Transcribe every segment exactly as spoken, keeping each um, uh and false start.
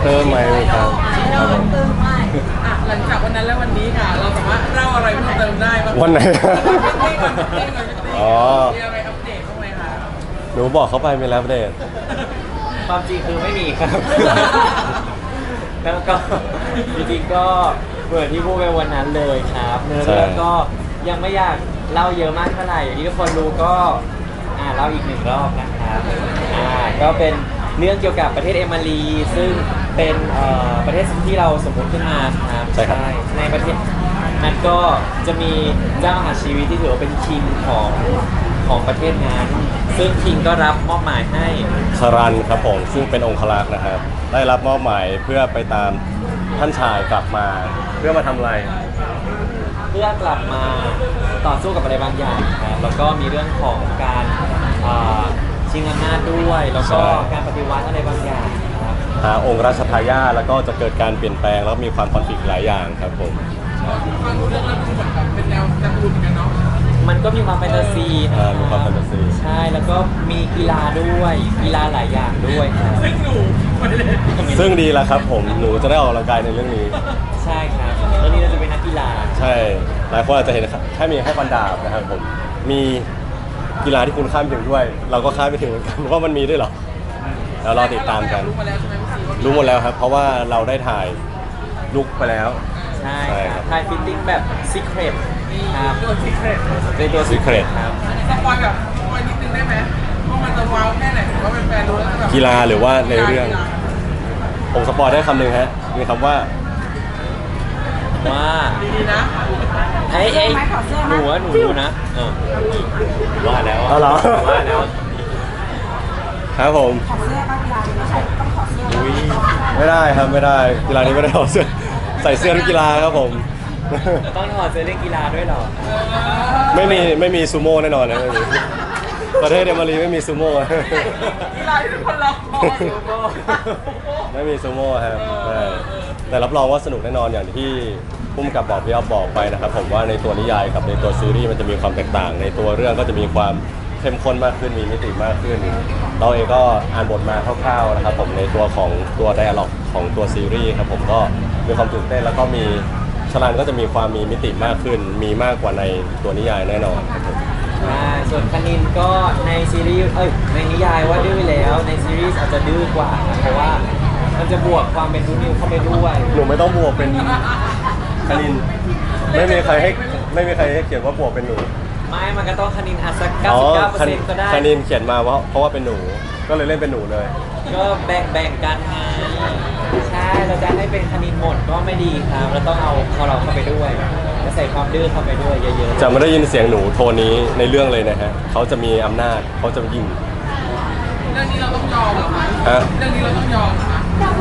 เติมไหมครับครับผมอ่ะหลังจากวันนั้นแล้ววันนี้ค่ะเราสามารถเล่าอะไรเพิ่มเติมได้บ้างวันไหนอ๋อ๋อมีอะไรอัปเดตบ้างไหมคะหนูบอกเขาไปไม่แล้วเดทความจริงคือไม่มีครับ แล้วก็จริงๆก็เหมือนที่พูดไปวันนั้นเลยครับเนื้อเรื่องก็ยังไม่อยากเล่าเยอะมากเท่าไหร่อย่างที่ทุกคนรู้ก็อ่าเล่าอีกหนึ่งรอบนะครับอ่าก็เป็นเรื่องเกี่ยวกับประเทศเอมารีซึ่งเป็นเอ่อประเทศที่เราสมมติขึ้นมาครับใช่ครับในประเทศนั้นก็จะมีเจ้ามหาชีวิตที่ถือว่าเป็นคิงของของประเทศนั้นซึ่งคิงก็รับมอบหมายให้คารันครับผมซึ่งเป็นองครักษ์นะครับ ได้รับมอบหมายเพื่อไปตามท่านชายกลับมา เพื่อมาทำอะไรเพื่อกลับมาต่อสู้กับอะไรบางอย่างครับแล้วก็มีเรื่องของการอ่าชิงอำนาจด้วย แล้วก็ใช่การปฏิวัติอะไรบางอย่างครับหาองค์ราชทายาทแล้วก็จะเกิดการเปลี่ยนแปลงแล้วมีความคอนฟ lict หลายอย่างครับผมฟังดูเรื่องแล้วดูเหมือนแบบเป็นแนวการ์ตูนเหมือนกันเนาะมันก็มีความแฟนตาซีนะอ่ามีความแฟนตาซีใช่แล้วก็มีกีฬาด้วยกีฬาหลายอย่างด้วยครับซึ่งหนูไม่ได้ซึ่งดีแล้วครับผมหนูจะได้ออกกำลังกายในเรื่องนี้ใช่ครับแล้วนี่เราจะเป็นนักกีฬาใช่ หลายคนอาจจะเห็นแค่มีแค่ฟันดาบนะครับผม มีกีฬาที่คุณข้ามถึงด้วย เราก็ข้ามไปถึงเหมือนกันว่ามันมีด้วยเหรอแล้วรอติดตามกันรู้มาแล้วใช่ไหมพี่ซีว่ารู้หมดแล้วครับ เพราะว่าเราได้ถ่ายลุกไปแล้วใช่ใช่คครัรับบ ทายฟิตติ้งแบบซีเครตนี่ครับตัวซีเครตเป็นตัว Secret ครับสปอยแบบสปอยนิดนึงได้ไหมว่ามันจะว้าวแค่ไหนหรือว่าเป็นแฟนรู้แล้วจะแบบกีฬาหรือว่าในเรื่อง ผมสปอยได้คำหนึ่งฮะ มีคำว่าว่าดีๆนะไอ้ไอ้หนูว่าหนูรู้นะเออว่าแล้วเอาเหรอว่าแล้วครับผมอุ้ยไม่ได้ครับไม่ได้กีฬานี้ไม่ได้เอาเสื้อใส่เสื้อนักกีฬาครับผมต้องถอดเสื้อเล่นกีฬาด้วยเหรอไม่มีไม่มีซูโม่แน่นอนนะไม่มีประเทศเดนมารีไม่มีซูโม่กีฬาที่ทุกคนรอคอยไม่มีซูโม่ครับใช่แต่รับรองว่าสนุกแน่นอนอย่างที่พุ่มกับบอกพี่อ๊อฟบอกไปนะครับผมว่าในตัวนิยายกับในตัวซีรีส์มันจะมีความแตกต่าง ในตัวเรื่องก็จะมีความเข้มข้นมากขึ้นมีมิติมากขึ้น เราเองก็อ่านบทมาคร่าวๆนะครับผมในตัวของตัวไดอะล็อกของตัวซีรีส์ครับผมก็มีความตื่นเต้นแล้วก็มีชลันก็จะมีความมีมิติมากขึ้น มีมากกว่าในตัวนิยายแน่นอนครับผมใช่ส่วนคณินก็ในซีรีส์เอ้ยในนิยายว่าดื้อแล้วในซีรีส์อาจจะดื้อกว่าครับเพราะว่ามันจะบวกความเป็นรูนิวเข้าไปด้วยหนูไม่ต้องบวกเป็นคณินไม่มีใครให้ไม่มีใครให้เขียนว่าบวกเป็นหนูไม่มันก็ต้องคณินอาจสักเก้าอ๋อสิบเก้าเปอร์คเซ็นต์ก็ได้คณินเขียนมาเพราะเพราะว่าเป็นหนูก็เลยเล่นเป็นหนูเลยก็แบ่งแบ่งกันไงใช่เราจะให้เป็นคณินหมดก็ไม่ดีครับเราต้องเอาเอาเราเข้าไปด้วยจะใส่ความดื้อเข้าไปด้วยเยอะๆจะไม่ได้ยินเสียงหนูโทนนี้ในเรื่องเลยนะฮะเขาจะมีอำนาจเขาจะยิงเรื่องนี้เราต้องยอมเหรอคะฮะเรื่องนี้เราต้องยอมเหรอคะ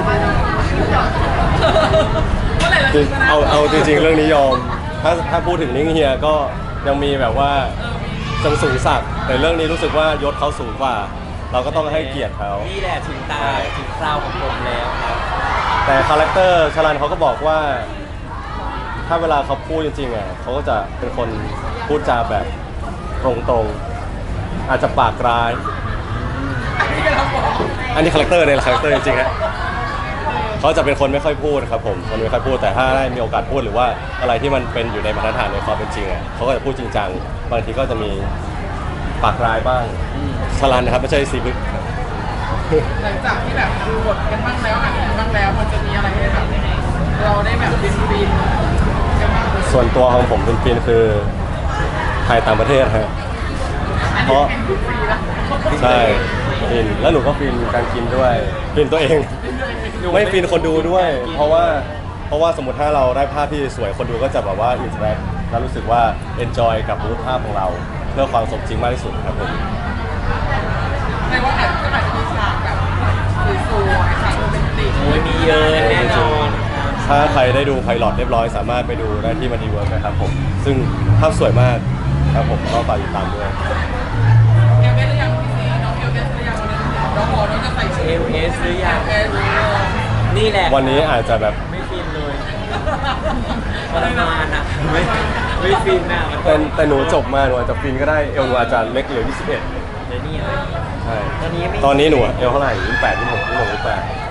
เมื่อไหร่เราจริงจะชนะเอาเอาจริงๆ เรื่องนี้ยอม ถ้าถ้าพูดถึงนิ้งเฮียก็ยังมีแบบว่าจังสูงศักดิ์แต่เรื่องนี้รู้สึกว่ายศเขาสูงกว่า เราก็ต้องให้เกียรติเขานี่แหละถึงตาถึงคราวของผมแล้วครับแต่คาแรคเตอร์ชลันเขาก็บอกว่า ถ้าเวลาเขาพูดจริงๆอ่ะเขาก็จะเป็นคนพูดจาแบบตรงๆ อาจจะปากร้ายที่เราบอกอันนี้คาแรคเตอร์ในคาแรคเตอร์จริงๆฮะเขาจะเป็นคนไม่ค่อยพูดครับผมคนไม่ค่อยพูดแต่ถ้าได้มีโอกาสพูดหรือว่าอะไรที่มันเป็นอยู่ในมาตรฐานในความเป็นจริงอ่ะเขาก็จะพูดจริงจังบางทีก็จะมีปากร้ายบ้างชลันนะครับไม่ใช่ซีบึกหลังจากที่แบบดูบทกันบ้างแล้วอ่านกันบ้างแล้วมันจะมีอะไรให้แบบเราได้แบบบินบินกันบ้างไหมส่วนตัวของผมเป็นฟินคือถ่ายต่างประเทศฮะอันเพนี้ราะแข่งดูฟรีแล้วใช่ฟินแล้วหนูก็ฟินการกินด้วยฟินตัวเอง ไม่ฟินคนดูด้วย เพราะว่าเพราะว่าสมมติถ้าเราได้ภาพที่สวยคนดูก็จะแบบว่าอินสแตรกแล้วรู้สึกว่าเอนจอยกับรูปภาพของเราเพื่อความสมจริงมากที่สุดครับผมในว่าอาจจะอาจจะมีฉากแบบสวยๆฉากโรแมนติกโอ้ยมีเยอะแน่นอนครับถ้าใครได้ดูไพลอตเรียบร้อยสามารถไปดูได้ที่มันดีเวิร์กนะครับผมซึ่งภาพสวยมากครับผมก็ฝากติดตามด้วยเอลเอสหรือยังพี่ซีน้องเอลเอสหรือยังน้องบอกน้องจะใส่ชุดเอลเอสหรือยังเอลเอสนี่แหละวันนี้อาจจะแบบไม่ฟินเลยทรมานอ่ะไม่ไม่ฟินอ่ะมันแต่แต่หนูจบมาหนูอาจจะฟินก็ได้เอลหนูอาจจะเล็กเหลือยี่สิบเอ็ดเดี๋ยวนี่อะไรใช่ตอนนี้ไม่ตอนนี้หนูเอลเท่าไหร่ยี่สิบแปดยี่สิบหกยี่สิบหกยี่สิบแปด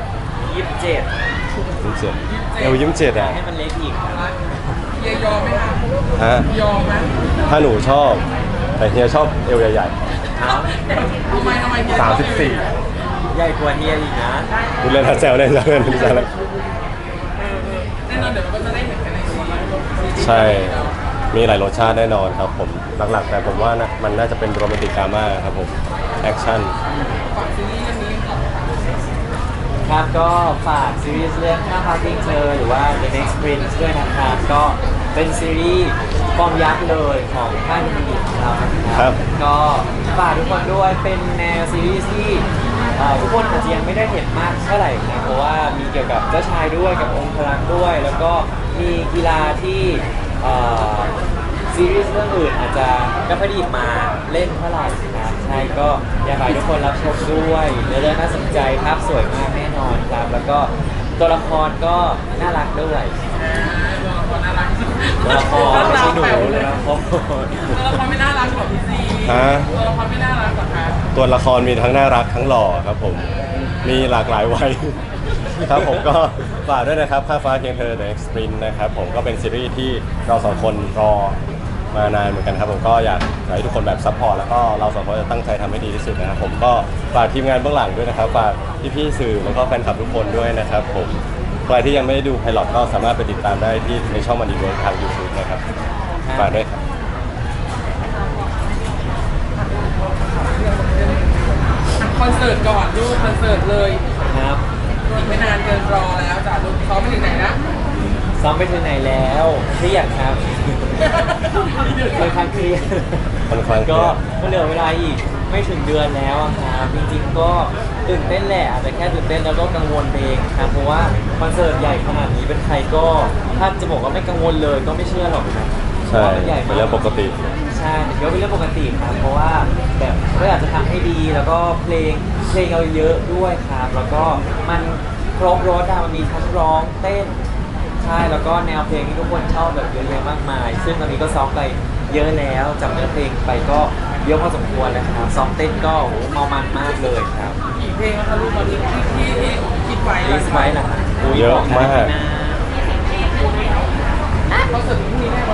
ยี่สิบเจ็ดยิ้มเจ็ดเอวยิ้มเจ็ดอ่ะให้มันเล็กอีกครับเฮียยอมไหมคะฮะยอมไหมถ้าหนูชอบ แต่เฮียชอบเอวใหญ่เอาทำไมทำไมเฮียๆสามสิบสี่ใหญ่กว่าเฮียอีกนะดูเล่นทัดแซวเล่นแซวเล่นแซวเล่นแน่นอนเดี๋ยวเราก็จะได้เห็นกันในซีรีส์ใช่ มีหลายรสชาติแน่นอนครับผม หลักๆ แต่ผมว่านะมันน่าจะเป็นโรแมนติกดราม่าครับผม แอคชั่นฝากซีรีส์เรื่องนี้ก่อนครับก็ฝากซีรีส์เรื่องข้าพาทิ้งเธอหรือว่า The Next Prince ด้วยนะครับก็เป็นซีรีส์ฟอร์มยักษ์เลยของค่ายมินิของเรานะคครัรับ ก็ฝากทุกคนด้วยเป็นแนวซีรีส์ที่เอ่อทุกคนอาจจะยังไม่ได้เห็นมากเท่าไหร่นะเพราะว่ามีเกี่ยวกับเจ้าชายด้วยกับองค์พลังด้วย แล้วก็มีกีฬาที่เอ่อ ซีรีส์เรื่องอื่นอาจจะไม่ค่อยไดหยิบมาเล่นเท่าไหร่นะครับใช่ก็อยากให้ทุกคนรับชมด้วยเนื้อเรื่องน่าสนใจภาพสวยมากแน่นอนครับ แล้วก็ตัวละครก็น่ารักด้วยตัวละครน่ารักตัวละครไม่ใช่หนูเลเลย ยนะครตัวละครไม่น่ารักกว่าพี่ซีฮะตัวละครไม่น่ารักกว่าคะตัวละครมีทั้งน่ารักทั้งหล่อครับผม มีหลากหลายวัย ครับผมก็ฝากด้วยนะครับข้าฟ้าเคียงเธอ The Next Sprint นะครับผมก็เป็นซีรีส์ที่เราสองคนรอมานานเหมือนกันครับผมก็อยากให้ทุกคนแบบซัพพอร์ตแล้วก็เราสองคนจะตั้งใจทำให้ดีที่สุดนะครับผมก็ฝากทีมงานเบื้องหลังด้วยนะครับฝากพี่ๆสื่อแล้วก็แฟนคลับทุกคนด้วยนะครับผมใครที่ยังไม่ได้ดูไพลอตก็สามารถไปติดตามได้ที่ในช่องมันดีเวิร์ทาง YouTube นะครับฝากด้วยครับคอนเสิร์ตก่อนลูกคอนเสิร์ตเลยครับอีกไม่นานเกินรอแล้วจ้ะลูกซ้อมไปถึงไหนนะซ้อมไปถึงไหนแล้วเครียดครับค่อนข้างเครียดค่อนข้างเครียดก็มันเหลือเวลาอีกไม่ถึงเดือนแล้วอะครับจริงๆก็ตื่นเต้นแหละอาจจะแค่ตื่นเต้นแล้วก็กังวลเองครับเพราะว่าคอนเสิร์ตใหญ่ขนาดนี้เป็นใครก็ถ้าจะบอกว่าไม่กังวลเลยก็ไม่เชื่อหรอกนะเพใช่ราะว่ามันใหญ่เป็นมากเรื่องปกติใช่แต่ก็เป็นเรื่องปกติครับเพราะว่าแบบก็อยากจะทำให้ดีแล้วก็เพลงเพลงเราเยอะด้วยครับแล้วก็มันครบรสอะมันมีทั้งร้องเต้นใช่แล้วก็แนวเพลงที่ทุกคนชอบแบบเยอะแยะมากมาย ซึ่งตอนนี้ก็ซ้อมไปเยอะแล้วจำเนื้อเพลงไปก็เยอะพอสมควรแล้วครับซ้อมเต้นก็โอ้โหเมามันมากเลยครับกี่เพลงแล้วคะลูกตอนนี้ที่ที่ที่คิดไว้ลิสไว้ล่ะครับเยอะมากคอนเสิร์ตพรุ่งนี้แน่นอน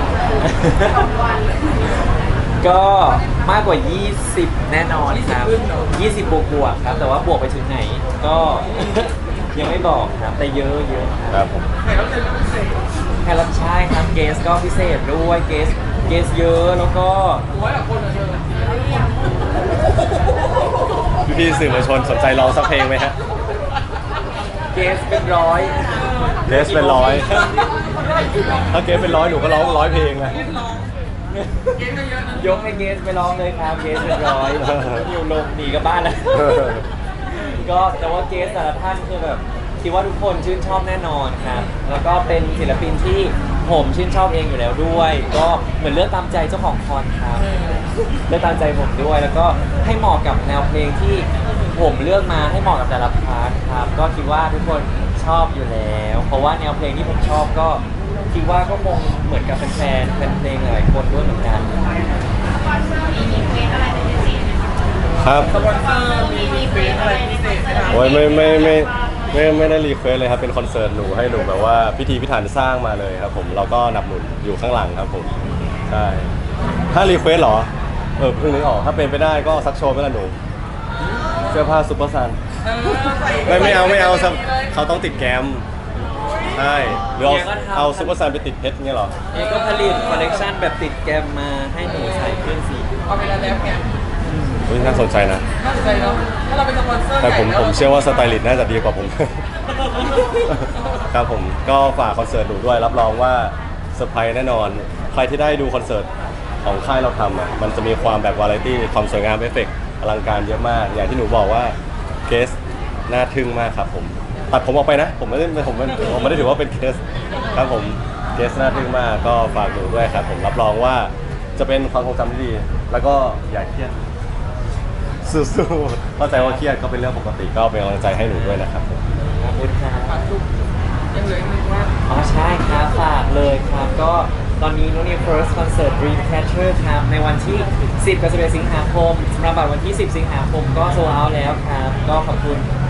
ก็มากกว่า ยี่สิบ แน่นอนครับ ยี่สิบบวกบวกๆครับ แต่ว่าบวกไปถึงไหนก็ ยังไม่บอกครับ แต่เยอะเยอะครับครับผมแขกรับเชิญพิเศษแค่รับใช้ครับเกสก็พิเศษด้วยเกสเกสเยอะแล้วก็ร้อยกว่าคนอะเธอพี่ๆสื่อมวลชนสนใจร้องสักเพลงไหมฮะเกสเป็นร้อยเกสเป็นร้อย ถ้าเกสเป็นร้อยหนูก็ร้องร้อยเพลงนะเกสร้องเกสก็เยอะนะยกให้เกสไปร้องเลยครับเกสเป็นร้อยอยู่ลงหนีกลับบ้านแล้ว ก็แต่ว่าเกสแต่ละท่านคือแบบคิดว่าทุกคนชื่นชอบแน่นอนครับ แล้วก็เป็นศิลปินที่ผมชื่นชอบเองอยู่แล้วด้วย ก็เหมือนเลือกตามใจเจ้าของคอนครับเลือกตามใจผมด้วย แล้วก็ให้เหมาะกับแนวเพลงที่ผมเลือกมาให้เหมาะกับแต่ละพาร์ทครับ ก็คิดว่าทุกคนชอบอยู่แล้ว เพราะว่าแนวเพลงที่ผมชอบก็คิดว่าก็คงเหมือนกับแฟนๆแฟนเพลงหลายคนด้วยเหมือนกันครับสปอนเซอร์มีมีเฟสอะไรพิเศษไหมคะโอ้ยไม่ไม่ไม่ไม่ไม่ไม่ได้รีเควสเลยครับเป็นคอนเสิร์ตหนูให้หนูแบบว่าพิธีพิถันสร้างมาเลยครับผมเราก็หนับหนุนอยู่ข้างหลังครับผมใช่ถ้ารีเควสเหรอเออเพิ่งนึกออกถ้าเป็นไปได้ก็ซักโชว์ไปละหนูเสื้อผ้าซุปเปอร์ซันเออใส่ไม่ไม่เอาไม่เอาครับใส่ลยเขาต้องติดแกมใช่หรือเอาเอาซุปเปอร์ซันไปติดเพชรเงี้ยเหรอเอก็ผลิตคอลเลกชันแบบติดแกมมาให้หนูใส่ขึ้นสีเอาไปแล้วแล้วไงอุ๊ยน่าสนใจนะน่าสนใจเนาะถ้าเราเป็นสปอนเซอร์แต่ผมใหญ่ผมเชื่อว่าสไตลิสต์น่าจะดีกว่าผม ครับผมก็ฝากคอนเสิร์ตหนูด้วยรับรองว่าเซอร์ไพรส์แน่นอน ใครที่ได้ดูคอนเสิร์ตของค่ายเราทำอ่ะมันจะมีความแบบวาไรตี้ความสวยงามเอฟเฟกต์อลังการเยอะมาก อย่างที่หนูบอกว่าเกสน่าทึ่งมากครับผมตัดผมออกไปนะ ผมไม่ได้ผมไม่ผมไม่ได้ถือว่าเป็นเกสครับผมเกสน่าทึ่งมากก็ฝากหนูด้วยครับผมรับรองว่าจะเป็นความทรงจำที่ดี แล้วก็อย่าเครียดสู้ๆเข้าใจว่าเครียดก็เป็นเรื่องปกติก็เป็นกำลังใจให้หนูด้วยนะครับผมขอบคุณครับฝากลูกยังเหลืออีกหนึ่งว่าอ๋อใช่ครับฝากเลยครับ ก็ตอนนี้นุนี่ First Concert Dreamcatcher ครับในวันที่ สิบ กับ สิบเอ็ด สิงหาคมสำหรับบัตรวันที่ สิบ สิงหาคมก็โซลเอาท์แล้วครับ ก็ขอบคุณ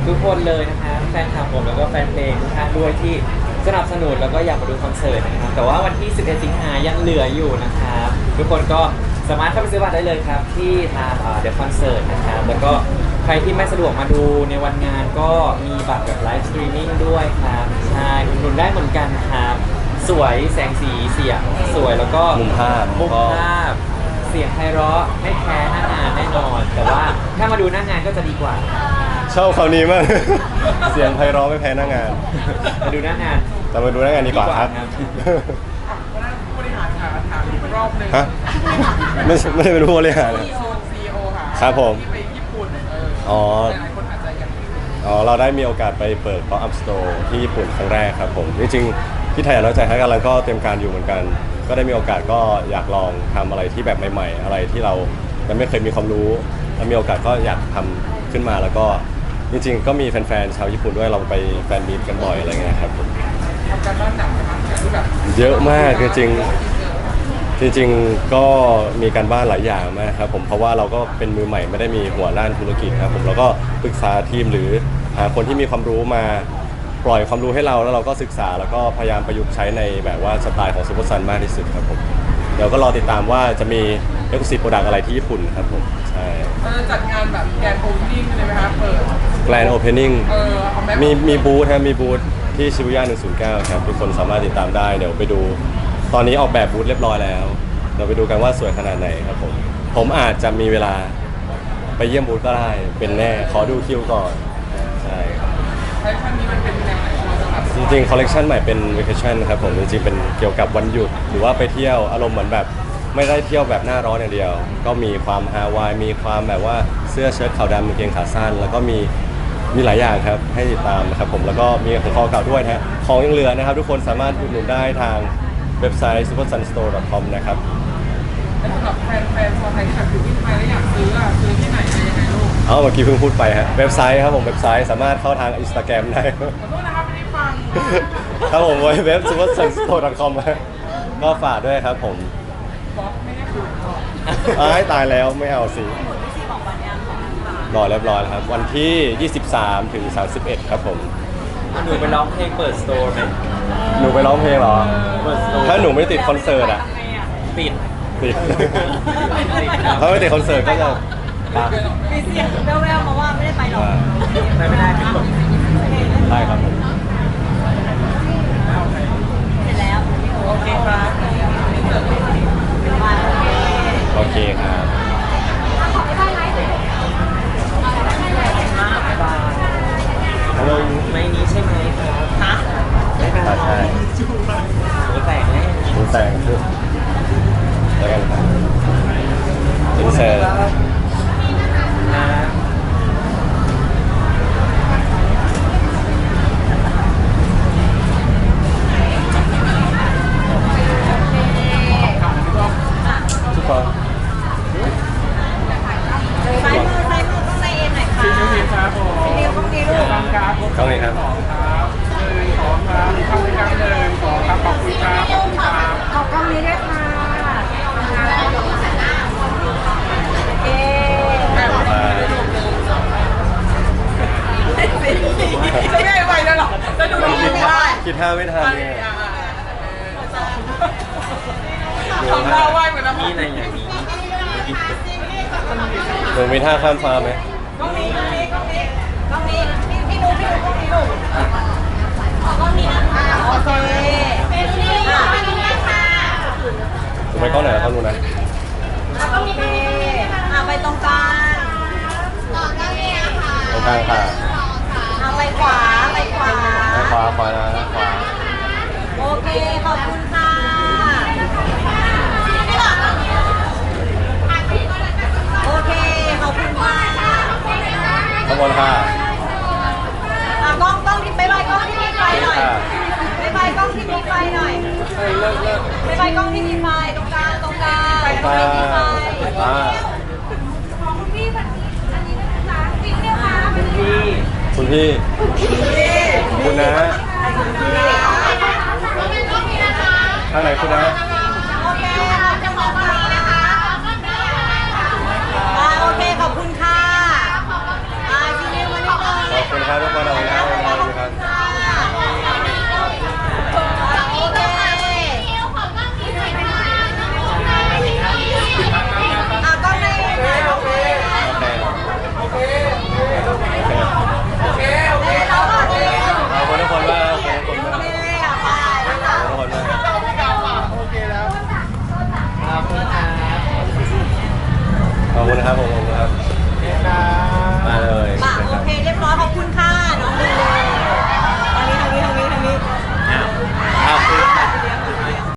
ทุกคนเลยนะครับแฟนคลับผมแล้วก็แฟนเพลงทุกท่านด้วยที่สนับสนุนแล้วก็อยากมาดูคอนเสิร์ตนะครับแต่ว่าวันที่สิบเอ็ดสิงหายังเหลืออยู่นะครับทุกคนก็สามารถเข้าไปซื้อบัตรได้เลยครับที่ทางเดอะคอนเสิร์ตนะครับแล้วก็ใครที่ไม่สะดวกมาดูในวันงานก็มีบัตรแบบไลฟ์สตรีมมิ่งด้วยครับใช่อุดหนุนได้เหมือนกันครับสวยแสงสีเสียงสวยแล้วก็มุมภาพมุมก็ภาพเสียงไพเราะไม่แพ้หน้างานแน่นอน แต่ว่าถ้ามาดูหน้างานก็จะดีกว่าชอบคำนี้มาก เสียงไพเราะไม่แพ้หน้างานมาดูหน้างานแต่มาดูหน้างานดีกว่าครับดีกว่าครับวันนั้นผู้บริหารถามถามอีกรอบหนึ่งฮะไม่ใช่ไม่ได้เป็นผู้บริหารเลยซีอีโอค่ะครับผมที่ไปญี่ปุ่นเอออ๋อหลายคนอาจจะยังไม่รู้อ๋อเราได้มีโอกาสไปเปิด Pop Up Store ที่ญี่ปุ่นครั้งแรกครับผมจริงๆที่ไทยน้อยใจให้กันแล้วก็เตรียมการอยู่เหมือนกัน ก็ได้มีโอกาสก็อยากลองทำอะไรที่แบบใหม่ๆ อะไรที่เรายังไม่เคยมีความรู้แล้วมีโอกาสก็อยากทำขึ้นมาแล้วก็จริงๆ ก็มีแฟนๆชาวญี่ปุ่นด้วยเราไปแฟนมีตกันบ่อยอะไรเงี้ยครับผมทำการบ้านหนักไหมครับที่แบบเยอะมากจริงๆ จริงๆ ก็มีการบ้านหลายอย่างมากครับผมเพราะว่าเราก็เป็นมือใหม่ไม่ได้มีหัวด้านธุรกิจครับผมเราก็ปรึกษาทีมหรือหาคนที่มีความรู้มาปล่อยความรู้ให้เราแล้วเราก็ศึกษาแล้วก็พยายามประยุกต์ใช้ในแบบว่าสไตล์ของซูเปอร์ซันมากที่สุดครับผมเดี๋ยวก็รอติดตามว่าจะมีเอ็กซ์คลูซีฟโปรดักต์อะไรที่ญี่ปุ่นครับผมใช่เราจะจัดงานแบบแกนโอเพนนิ่งเลยไหมครับเปิดแกรนด์โอเพนนิ่งเออเอาแม็กมีมีบูธครับมีบูธที่ชิบุย่าหนึ่งศูนย์เก้าครับทุกคนสามารถติดตามได้เดี๋ยวไปดู ตอนนี้ออกแบบบูธเรียบร้อยแล้วเราไปดูกันว่าสวยขนาดไหนครับผมผมอาจจะมีเวลาไปเยี่ยมบูธก็ได้เป็นแน่ขอดูคิวก่อนใช่ครับคอลเลคชันนี้มันเป็นแนวไหนเราจะแบบจริงๆคอลเลกชันใหม่เป็น vacation ครับผมจริงๆเป็นเกี่ยวกับวันหยุดหรือว่าไปเที่ยวอารมณ์เหมือนแบบไม่ได้เที่ยวแบบหน้าร้อนอย่างเดียว ก็มีความฮาวายมีความแบบว่าเสื้อเชิ้ตขาวดำกางเกงขาสั้น แล้วก็มีมีหลายอย่างครับให้ติดตามนะครับผมแล้วก็มีของคอเก่าด้วยนะฮะของยังเหลือนะครับทุกคนสามารถอุดหนุนได้ทางเว็บไซต์ ซูเปอร์ซันสโตร์ ดอท คอม นะครับแล้วสำหรับแฟนแฟนชาวไทยที่แบบอยู่ที่ไทยแล้วอยากซื้ออ่ะซื้อที่ไหนอะไรยังไงลูกเอาเมื่อกี้เพิ่งพูดไปฮะเว็บไซต์ครับผมเว็บไซต์สามารถเข้าทาง Instagram ได้ขอโทษนะครับไม่ได้ฟังครับผมเว็บ ซูเปอร์ซันสโตร์ ดอท คอม ก็ฝากด้วยครับผมบล็อกไม่ให้ดูก่อนอ้ายตายแล้วไม่เอาสิรอเรียบร้อยแล้วครับ วันที่ ยี่สิบสาม ถึง สามสิบเอ็ด ครับผมหนูไปร้องเพลงเปิดสโตร์ไหมหนูไปร้องเพลงเหรอเปิดสโตร์ถ้าหนูไม่ติดคอนเสิร์ตอ่ะปิดติด ถ้าไม่ติดคอนเสิร์ตก็จะครับมีเสียงแว่วๆมาว่าไม่ได้ไปหรอกไม่ไม่ได้ครับได้ครับผมเสร็จแล้วโอเคครับมาโอเคโอเคครับ ฮัลโหลไม่นี้ใช่ไหมครับฮะไม่เป็นไรใช่หนูแต่งแน่หนูแต่งคือแล้วกันครับอินเสิร์ตนะทุกคนซ้ายมือซ้ายมือต้องในเอ็นหน่อยค่ะโอเคครับผมเรียวต้องดีลูกฟังครับกล้องนี้ครับสองครับหนึ่งสองครับทำในการหนึ่งสองครับขอบคุณครับขอบคุณครับขอบกล้องนี้ด้วยค่ะเอ๊แม่บอกว่าจะไม่ให้ไปแล้วหรอจะดูดีไม่ได้คิดท่าไม่ทันเนี่ยทำหน้าไหวเหมือนน้ำมีอะไรอย่างนี้หนูมีท่าข้ามฟ้าไหมกล้องนี้กล้องนี้กล้องนี้กล้องนี้พี่พี่ดูพี่ดูกล้องนี้ลูกขอกล้องนี้นะคะโอเคเป็นนี่ค่ะเป็นนี่ค่ะหนูไปกล้องไหนแล้วกล้องนู้นนะโอเคอ่ะไปตรงกลางตรงกลางค่ะเอาไปขวาไปขวาไปขวาขวานะขวาโอเคขอบคุณค่ะโอเคขอบคุณค่ะข้างบนค่ะอ่ะกล้องกล้องที่ไปไปกล้องที่มีไฟหน่อยไปไปกล้องที่มีไฟหน่อยเฮ้ยเลิกเลิกไปไปกล้องที่มีไฟตรงกลางตรงกลางตรงกลางที่มีไฟอ่าของคุณพี่แบบนี้อันนี้นะคะจริงเนี่ยค่ะคุณพี่คุณพี่คุณนะทางไหนคุณนะโอเคเราจะขอตรงนี้นะคะอ่าโอเคขอบคุณค่ะอ่าชินิวมานิดนึงขอบคุณครับคุณนะครับผมขอบคุณครับนะมาเลยป่ะโอเคเรียบร้อยขอบคุณค่ะ